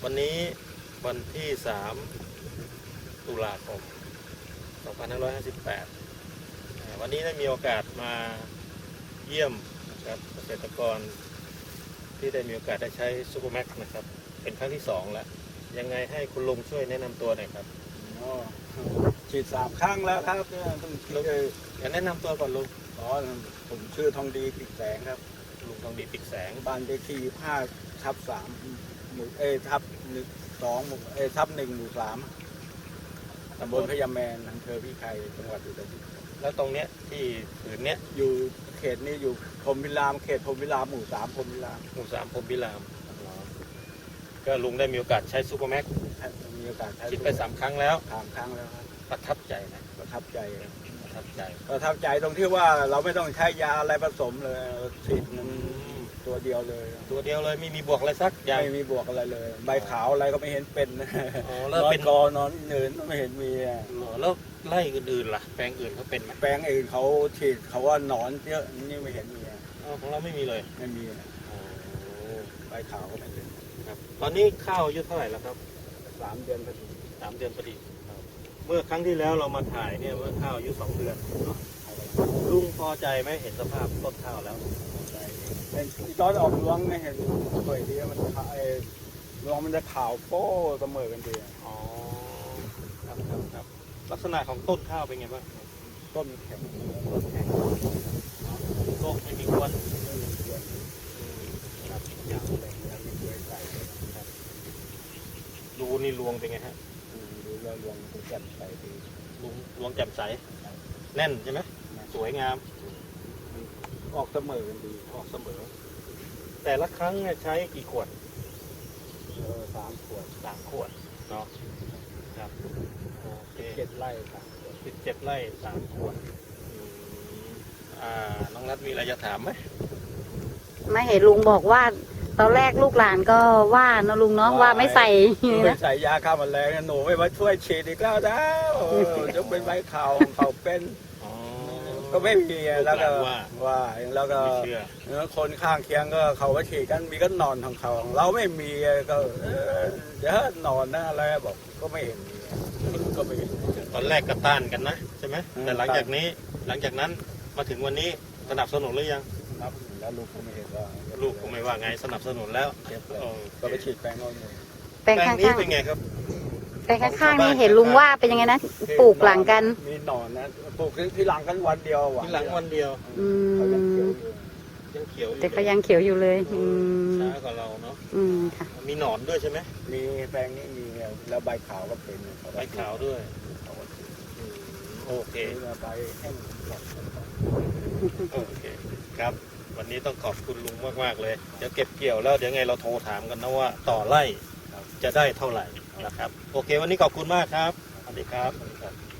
วันนี้วันที่3 ตุลาคม 2558 วันนี้ได้มีโอกาสมาเยี่ยมนะครับเกษตรกรที่ได้มีโอกาสได้ใช้ซูเปอร์แม็กซ์นะครับเป็นครั้งที่2แล้วยังไงให้คุณลุงช่วยแนะนำตัวหน่อยครับฉีด3 ครั้งแล้วครับต้องแนะนำตัวก่อนลุงผมชื่อทองดีปิกแสงครับลุงทองดีปิกแสงบ้านเลขที่5/3 หมู่ทับ2 หมู่ทับ 1 หมู่ 3 ตำบลพญาแมนอำเภอพิไคจังหวัดอุตรดิตถ์แล้วตรงเนี้ยที่ผืนเนี้ยอยู่เขตนี้อยู่พรหมวิรามเขตพรหมวิรามหมู่ 3 พรหมวิรามพรหมวิรามก็ลุงได้มีโอกาสใช้ซูเปอร์แม็กซ์มีโอกาสใช้ฉีดไป3 ครั้งแล้ว 3 ครั้งแล้วครับประทับใจนะประทับใจตรงที่ว่าเราไม่ต้องใช้ยาอะไรผสมเลยฉีดตัวเดียวเลยไม่มีบวกอะไรสักอย่างไม่มีบวกอะไรเลยใบขาวอะไรก็ไม่เห็นเป็นแล้วเป็นกอนอนเนินไม่เห็นมีแล้วไล่อื่นๆล่ะแปลงอื่นเขาเป็นไหมแปลงอื่นเขาฉีดเขาว่าหนอนเยอะนี่ไม่เห็นมีของเราไม่มีเลยไม่มีใบขาวก็ไม่เป็นครับตอนนี้ข้าวอายุเท่าไหร่แล้วครับ 3 เดือนพอดี 3 เดือนพอดีเมื่อครั้งที่แล้วเรามาถ่ายเนี่ยเมื่อข้าวอายุ2 เดือนลุงพอใจไหมเห็นสภาพต้นข้าวแล้วเป็นตอนออกรวงไม่เห็นสวยดีมันรวงมันจะขาวโป้เสมอกันดีอ๋อครับลักษณะของต้นข้าวเป็นไงบ้างต้นแข็งโรคไม่มีควันครับยาวแรงแล้วไม่สวยใสดูนี่รวงเป็นไงฮะดูแล้วรวงแจ่มใสดีรวงแจ่มใสแน่นใช่ไหมสวยงามออกเสมอกันดีออกเสมอแต่ละครั้งเนี่ยใช้กี่ขวด 3 ขวดเนาะครับโอเค 7 ไร่ 17 ไร่3 ขวดน้องรัฐมีอะไรจะถามไหมไม่เห็นลุงบอกว่าตอนแรกลูกหลานก็ว่านะลุงเนาะว่าไม่ใส่ไม่ใส่ยาฆ่าแมลงหนูไม่มาช่วยฉีดอีกแล้วจะเป็นใบขาวเขาเป็นก็ไม่มีแล้วก็แล้วก็คนข้างเคียงก็เขาก็ฉีดกันมีก็นอนของเขาเราไม่มีก็เดี๋ยวนอนนะอะไรบอกก็ไม่เห็นก็ไม่ตอนแรกก็ต้านกันนะใช่ไหมแต่หลังจากนั้นมาถึงวันนี้สนับสนุนหรือยังครับแล้วลูกก็ไม่เห็นว่าลูกก็ไม่ว่าไงสนับสนุนแล้วก็ไปฉีดแปลงโน้นแปลงข้างนี้เป็นไงครับแปลงข้างๆนี่เห็นลุงว่าเป็นยังไงนะปลูกหลังกันมีหนอนนะปลูกที่หลังกันวันเดียวที่หลังวันเดียวยังเขียวแต่ก็ยังเขียวอยู่เลยช้ากว่าเราเนาะค่ะมีหนอนด้วยใช่ไหมมีแปลงนี้มีแล้วใบขาวก็เป็นใบขาวด้วยโอเคใบแห้งโอเคครับวันนี้ต้องขอบคุณลุงมากๆเลยเดี๋ยวเก็บเกี่ยวแล้วเดี๋ยวไงเราโทรถามกันนะว่าต่อไร่จะได้เท่าไหร่นะครับโอเควันนี้ขอบคุณมากครับสวัสดีครับ